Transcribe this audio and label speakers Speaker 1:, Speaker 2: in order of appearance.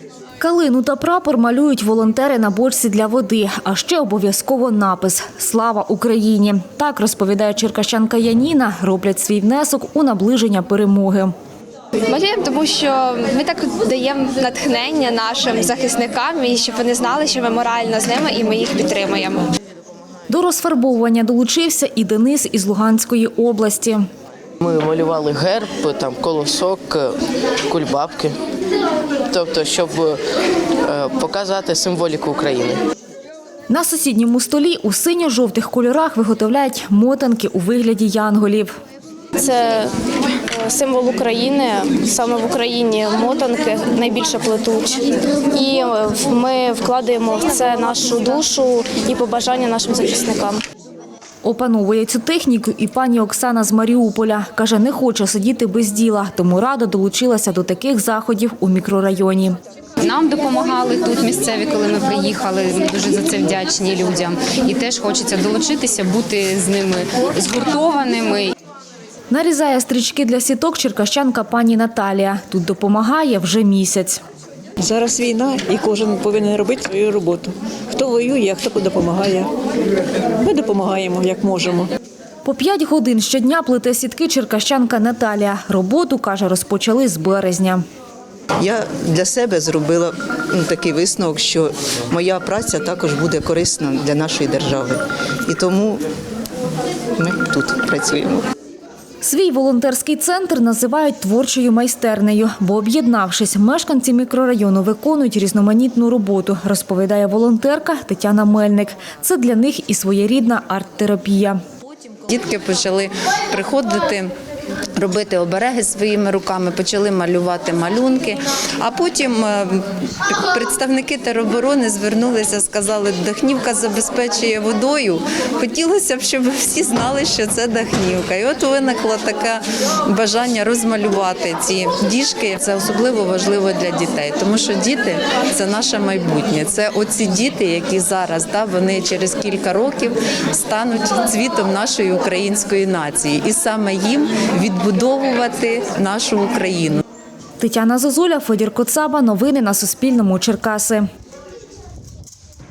Speaker 1: Калину та прапор малюють волонтери на бочці для води, а ще обов'язково напис «Слава Україні». Так, розповідає черкащанка Яніна, роблять свій внесок у наближення перемоги.
Speaker 2: Малюємо, тому що ми так даємо натхнення нашим захисникам, і щоб вони знали, що ми морально з ними і ми їх підтримуємо.
Speaker 1: До розфарбовування долучився і Денис із Луганської області.
Speaker 3: Ми малювали герб, там колосок, кульбабки, тобто, щоб показати символіку України.
Speaker 1: На сусідньому столі у синьо-жовтих кольорах виготовляють мотанки у вигляді янголів.
Speaker 4: Це символ України, саме в Україні мотанки найбільше плетуть. І ми вкладаємо в це нашу душу і побажання нашим захисникам.
Speaker 1: Опановує цю техніку і пані Оксана з Маріуполя. Каже, не хоче сидіти без діла, тому радо долучилася до таких заходів у мікрорайоні.
Speaker 5: Нам допомагали тут місцеві, коли ми приїхали. Ми дуже за це вдячні людям. І теж хочеться долучитися, бути з ними згуртованими.
Speaker 1: Нарізає стрічки для сіток черкащанка пані Наталія. Тут допомагає вже місяць.
Speaker 6: Зараз війна і кожен повинен робити свою роботу. Хто воює, а хто допомагає. Ми допомагаємо, як можемо.
Speaker 1: По 5 годин щодня плете сітки черкащанка Наталія. Роботу, каже, розпочали з березня.
Speaker 7: Я для себе зробила такий висновок, що моя праця також буде корисна для нашої держави. І тому ми тут працюємо.
Speaker 1: Свій волонтерський центр називають творчою майстернею, бо, об'єднавшись, мешканці мікрорайону виконують різноманітну роботу, розповідає волонтерка Тетяна Мельник. Це для них і своєрідна арт-терапія.
Speaker 8: Дітки почали приходити, робити обереги своїми руками, почали малювати малюнки, а потім представники тероборони звернулися, сказали, Дахнівка забезпечує водою. Хотілося б, щоб всі знали, що це Дахнівка. І от виникло таке бажання розмалювати ці діжки. Це особливо важливо для дітей, тому що діти – це наше майбутнє. Це оці діти, які зараз, вони через кілька років стануть цвітом нашої української нації. І саме їм відбудовувати нашу Україну.
Speaker 1: Тетяна Зозуля, Федір Коцаба. Новини на Суспільному. Черкаси.